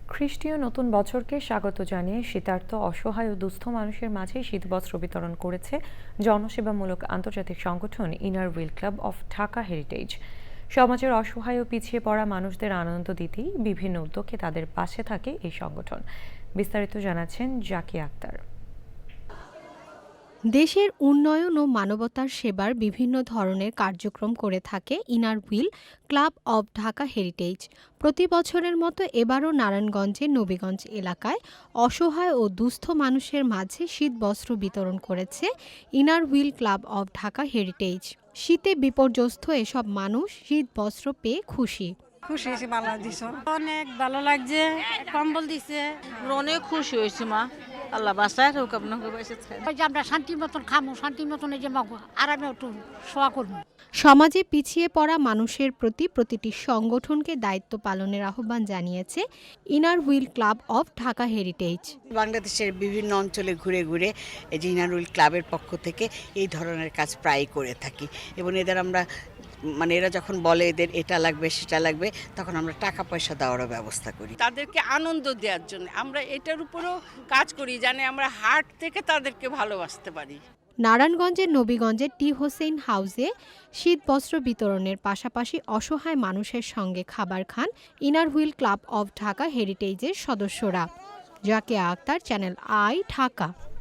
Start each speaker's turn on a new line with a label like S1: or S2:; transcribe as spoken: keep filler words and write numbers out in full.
S1: খ্রিস্টীয় নতুন বছরকে স্বাগত জানিয়ে শীতার্ত অসহায় ও দুস্থ মানুষের মাঝে শীতবস্ত্র বিতরণ করেছে জনসেবামূলক আন্তর্জাতিক সংগঠন inner wheel club of Dhaka heritage. সমাজের অসহায় ও পিছিয়ে পড়া মানুষদের আনন্দ দিতেই বিভিন্ন উদ্যোগে তাদের পাশে থাকে এই সংগঠন। বিস্তারিত জানাচ্ছেন জাকিয়া আক্তার।
S2: দেশের উন্নয়ন ও মানবতার সেবার বিভিন্ন ধরনের কার্যক্রম করে থাকে inner wheel club of Dhaka heritage. প্রতি বছরের মতো এবারও নারায়ণগঞ্জের নবীগঞ্জ এলাকায় অসহায় ও দুস্থ মানুষের মাঝে শীতবস্ত্র বিতরণ করেছে inner wheel club of Dhaka heritage. শীতে বিপর্যস্ত এসব মানুষ শীতবস্ত্র পেয়ে খুশি।
S3: খুশি হয়েছি, ভালো দিছ, অনেক ভালো লাগছে, কম্বল দিছে,
S4: অনেক খুশি হয়েছি মা। আল্লাহ বাসায় হোক আপনাকে বাসে
S5: ওই যে আমরা শান্তির মতন খামো, শান্তির মতন এই যে মাগো আরামে একটু শোয়া করবো।
S2: সমাজে পিছিয়ে পড়া মানুষের প্রতি প্রতিটি সংগঠনকে দায়িত্ব পালনের আহ্বান জানিয়েছে inner wheel club of Dhaka heritage.
S6: বাংলাদেশের বিভিন্ন অঞ্চলে ঘুরে ঘুরে এই যে ইনার হুইল ক্লাবের পক্ষ থেকে এই ধরনের কাজ প্রায়ই করে থাকি এবং এদের আমরা মানে এরা যখন বলে এদের এটা লাগবে সেটা লাগবে তখন আমরা টাকা পয়সা দেওয়ারও ব্যবস্থা করি।
S7: তাদেরকে আনন্দ দেওয়ার জন্য আমরা এটার উপরেও কাজ করি, জানে আমরা হার্ট থেকে তাদেরকে ভালোবাসতে পারি।
S2: নারায়ণগঞ্জের নবীগঞ্জের টি হোসেন হাউসে শীতবস্ত্র বিতরণের পাশাপাশি অসহায় মানুষের সঙ্গে খাবার খান inner wheel club of Dhaka হেরিটেজের সদস্যরা। Zakia Akhtar, channel I, Dhaka.